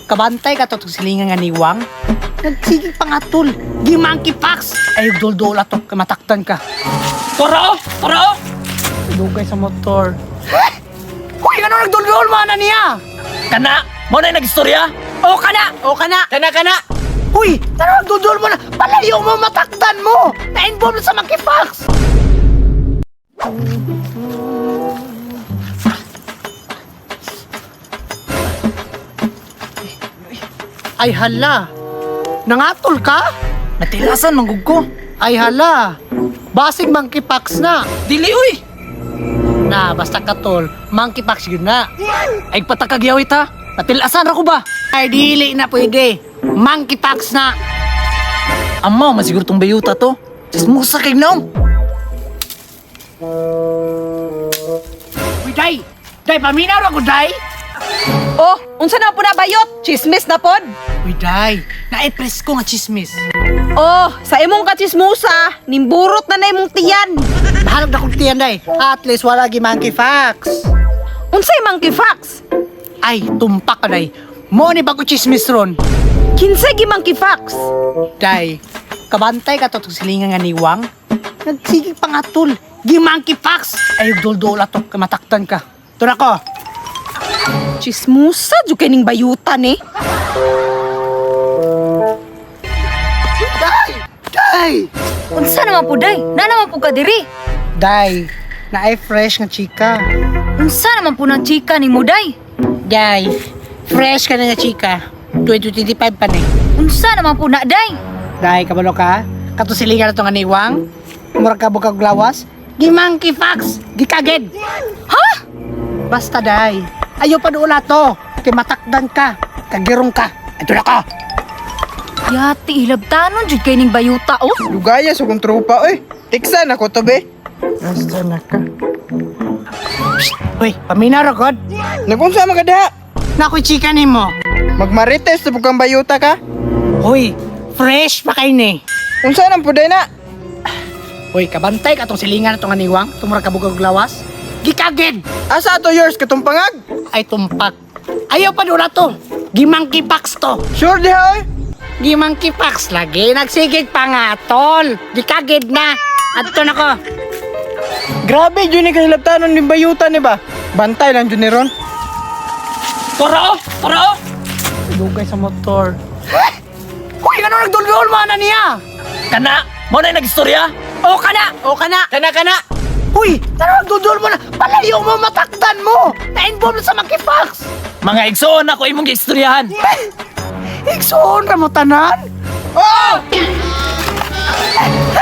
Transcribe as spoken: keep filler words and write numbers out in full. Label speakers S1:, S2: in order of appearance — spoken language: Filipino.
S1: kabantay ka to itong silingan nga niwang. Nagsigig pa nga tol. Di monkey pox. Ay, dol-dol ato. Kamataktan ka.
S2: Tara! Tara!
S1: Dugay sa motor. Uy, ano nagdol-dol mana niya?
S2: Kana! Mo na nagistorya?
S1: O kana! O kana!
S2: Kana kana!
S1: Uy, ano nagdol-dol mo na? Palayo mo, mataktan mo! Na-involve sa monkey pox! Ay hala! Nangatol ka?
S2: Natilasan manggug ko.
S1: Ay hala! Basig monkey pox na!
S2: Dili uy.
S1: Na, basta katol, monkey pox yun na.
S2: Ay patakagyawit ha. Natilasan ra ko ba?
S1: Ay dili na pwede. Monkey pox na.
S2: Amaw masiguro tong bayuta to. Sismusa kay naong.
S1: Uy, day! Day, paminaw ako, day!
S3: Oh, unsa na po na bayot? Chismis na pod?
S1: Uy, day! Na-press ko nga chismis.
S3: Oh, sa imong kachismusa, nimburot na na imong tiyan.
S1: Mahalap na kong tiyan, day. At least wala gi monkey fox.
S3: Unsay monkey fox?
S1: Ay, tumpak ka, day. Mo ni bago chismis ron.
S3: Kinsay gi monkey fox?
S1: Day, kabantay ka to itong silingan nga niwang. Nagsigig pa nga tol. Gi monkey fox. Ay, dol-dol ato. Kamataktan ka. Ito na ko.
S3: Chismusa, jud kay ning bayutan eh.
S1: Day! Day!
S3: Unsa naman po day? Na naman po ka diri.
S1: Day, na-ay fresh nga chika.
S3: Unsa naman po ng chika ni mo day?
S1: Day, fresh ka na nga chika. twenty twenty-five pa ni.
S3: Unsa naman po na day?
S1: Day, kabalo ka? Katusilingan na ito nga niwang. Murag ka bukag lawas. Gi monkey fox. Gi kaged.
S3: Ha?
S1: Basta, day. Ayaw pa doon to. Kay matakdan ka. Kagirong ka. Ito na ka.
S3: Yati hilabtanon jud kay ning bayuta oh.
S4: Lugaya sa kong tropa, oy. Tiksan ako to, be.
S1: Basta na ka. Uy, paminaw God.
S4: Nagunsa magada.
S1: Nakoy chika ni mo.
S4: Magmarites sa bukang bayuta ka.
S1: Uy, fresh pa kayo ni.
S4: Unsa nang puday na?
S1: Uy, kabantay ka itong silingan na itong aniwang. Tumurag ka bukag lawas. Gikagid.
S4: Asa to yours katong pangag?
S1: Ay, tumpak. Ayaw pa doon to. Gi monkey fox to.
S4: Sure di ha, oy.
S1: Gi monkey fox lagi. Nagsigig pa nga, tol. Gikagid na. At ito na ko.
S4: Grabe, yun ni kahilaptanon ni bayuta ni ba? Bantay lang yun ni Ron.
S2: Tara! Tara!
S1: Dugay sa motor. Uy, ano nagdol-dol mana niya?
S2: Kana! Mo na nagistorya?
S1: O kana! O kana!
S2: Kana kana!
S1: Uy, ano nagdol-dol mo na? Palayo mo, matakdan mo. Na-involve sa monkey fox.
S2: Mga igsoon ako imong gistoryahan.
S1: Iksoon ka mo tanan?
S4: Oh!